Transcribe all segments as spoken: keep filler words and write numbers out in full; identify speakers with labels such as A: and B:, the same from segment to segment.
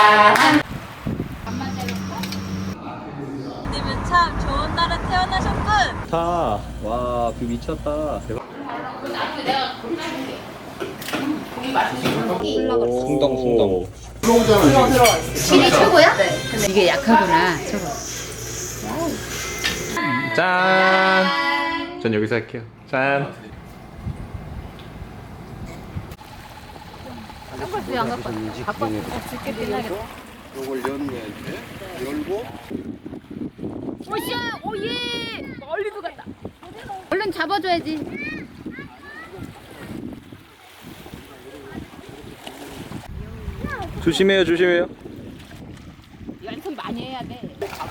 A: 축하합니다.
B: 님은 참 좋은 날에 태어나셨군.
C: 자, 와, 뷰 미쳤다. 대박. 숭덩, 숭덩.
A: 질이 최고야? 네. 이게 약하구나. 최고.
C: 짠! 전 여기서 할게요. 짠!
A: 선글스 안 갖고 왔어. 갖고 왔어. 줄게 빛나겠다.
D: 요걸 여는 거야 이렇게 열고
A: 오씨! 오예! 멀리도 갔다. 얼른 잡아줘야지.
C: 조심해요, 조심해요.
A: 연습 많이 해야 돼.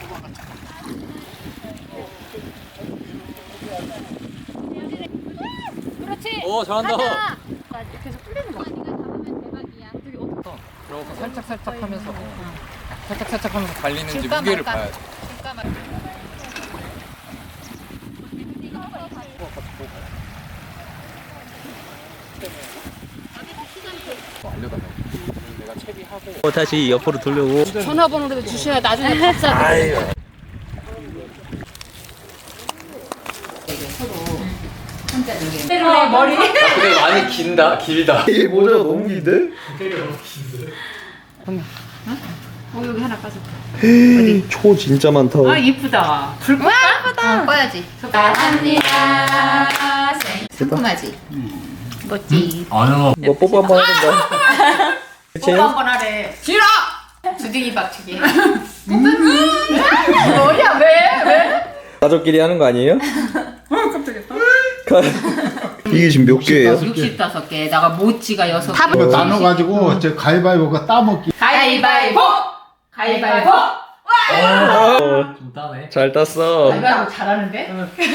A: 그렇지.
C: 오, 잘한다.
A: 가자. 나 계속 풀리는 거. 네가 잡으면 대박이야. 되게 어떡해.
E: 그러고 살짝 살짝 하면서 살짝 살짝 하면서 달리는지
A: 줄까
E: 무게를
A: 말까?
E: 봐야 돼.
A: 줄까 말까?
E: 알려달라고. 내가 채비하고
C: 어, 다시 옆으로 돌려고.
A: 전화번호를 주셔야 나중에 답사. 머리.
E: 근데 많이 긴다 길다.
C: 이게 모자가 너무 긴데?
A: 어 여기 하나 빠져.
C: 초 진짜 많다.
A: 아 이쁘다. 불 꺼? 예쁘다. 어, 꺼야지. 축하합니다. 상큼하지. 멋지.
E: 아유.
C: 뭐 뽀뽀 한번 해본다. 그치?
A: 뽀뽀 한번 하래. 싫어. 주둥이 박치기. 뭐야 왜 왜?
C: 가족끼리 하는 거 아니에요?
A: 어 깜짝이야.
C: 이게 지금 몇 개예요?
A: 육십다섯 개. 나가 모찌가 여섯 개.
D: 이거 나눠가지고 저 가위바위보가 따먹기
A: 가위바위보. 가위바위보.
E: 좀 따네.
C: 잘 땄어.
A: 가위바위보 잘하는데?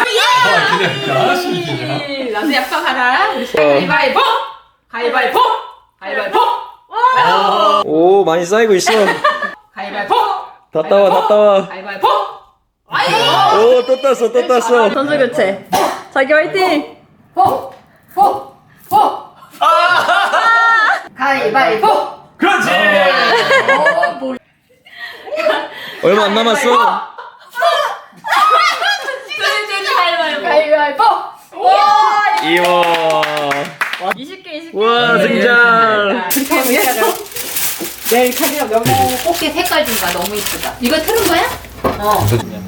A: 나도 약속하라. 가위바위보. 가위바위보. 가위바위보.
C: 오, 많이 쌓이고 있어.
A: 가위바위보.
C: 다 따와, 다 따와.
A: 가위바위보.
C: 오, 또 땄어, 또 땄어.
B: 선수 교체. 자기 화이팅.
A: 보. 보. 보. 가위바위보.
E: 그렇지.
A: 어, 뭐.
C: 얼마 안 남았어.
A: 가위바위보.
C: 이와.
B: 이십 개 이십 개.
C: 와, 승장.
A: 내일 카드가 몇 개? 꽃게 색깔 좀 봐. 너무 이쁘다. 이거 틀은 거야? 어.